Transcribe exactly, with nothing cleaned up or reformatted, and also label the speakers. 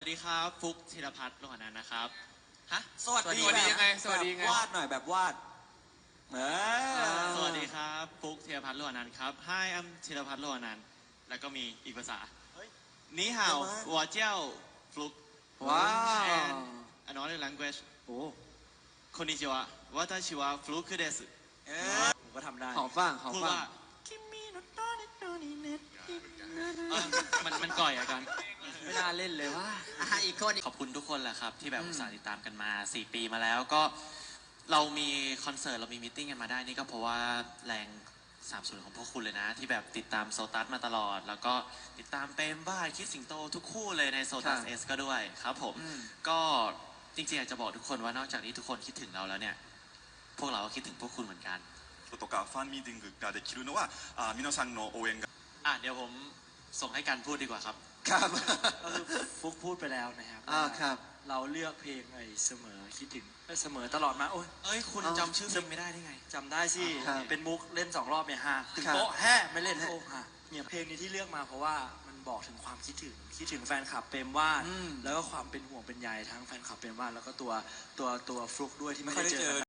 Speaker 1: สวัสดีครับฟุกธีรพัฒน์โลหะนันท์นะครับฮะ
Speaker 2: สวัสดี
Speaker 3: สวัสดียังไงสวัสดียังไง
Speaker 2: แบบวาดหน่อยแบบวาดเออ
Speaker 1: สวัสดีครับฟุกธีรพัฒน์โลหะนันท์ครับ Hi I'm ธีรพัฒน์โลหะนันท์แล้วก็มีอีกภาษานี่ฮาววอเจ้าฟลุก
Speaker 2: ว้าว
Speaker 1: and another language
Speaker 2: โอ้
Speaker 1: คอนนิจิวะวาตาชิวะฟลุกคือเดส
Speaker 2: เออผมก็ทำได้
Speaker 3: หอมฟังหอม
Speaker 1: พูด
Speaker 3: ฟัง
Speaker 1: ว่าเออมันมันก่อยอะกัน
Speaker 3: ไม่น่าเล่นเลยว่า
Speaker 2: อ่ะอีกคน
Speaker 1: ขอบคุณทุกคนแหละครับที่แบบอุตส่าห์ติดตามกันมาสี่ปีมาแล้วก็เรามีคอนเสิร์ตเรามีมีตติ้งกันมาได้นี่ก็เพราะว่าแรงสามส่วนของพวกคุณเลยนะที่แบบติดตามโซตัสมาตลอด แล้วก็ติดตามเปมบ้าคิดสิงโตทุกคู่เลยในโซตัส
Speaker 3: ค่ะ
Speaker 1: เอสก็ด้วยครับผม
Speaker 3: อืม
Speaker 1: ก็จริงๆอยากจะบอกทุกคนว่านอกจากนี้ทุกคนคิดถึงเราแล้วเนี่ยพวกเราก็คิดถึงพวกคุณเหมือนกัน
Speaker 4: とかファンミーティングができるのはあ皆さんの応援が
Speaker 1: อ่ะเดี๋ยวผมส่งให้กันพูดดีกว่าครับ
Speaker 3: ครับ
Speaker 5: ก็คือฟุกพูดไปแล้วนะครับ
Speaker 3: อ่า
Speaker 5: ว่า
Speaker 3: ครับ
Speaker 5: เราเลือกเพลงไอ้เสมอคิดถึงเสมอตลอดมาโอ้ย
Speaker 1: เอ้ยคุณ
Speaker 3: เอา
Speaker 1: จำชื่อเพลงไม่ได้ได้ไง
Speaker 5: จำได้สิ
Speaker 3: ครับ
Speaker 5: เป็นมุกเล่นสองรอบเนี่ยฮะถึง
Speaker 3: ครับ
Speaker 5: โป๊ะแฮ่ไม่เล่นโอ้ฮะเนี่ยเพลงนี้ที่เลือกมาเพราะว่ามันบอกถึงความคิดถึงคิดถึงแฟนคลับเปรมวาด
Speaker 3: อืม
Speaker 5: แล้วก็ความเป็นห่วงเป็นใยทั้งแฟนคลับเปรมวาดแล้วก็ตัวตัวตัวฟลุกด้วยที่ไม่
Speaker 2: ไม่ค่อย
Speaker 5: ได้
Speaker 2: ได้
Speaker 5: เจ
Speaker 2: เจ
Speaker 5: อ
Speaker 2: อ
Speaker 5: กัน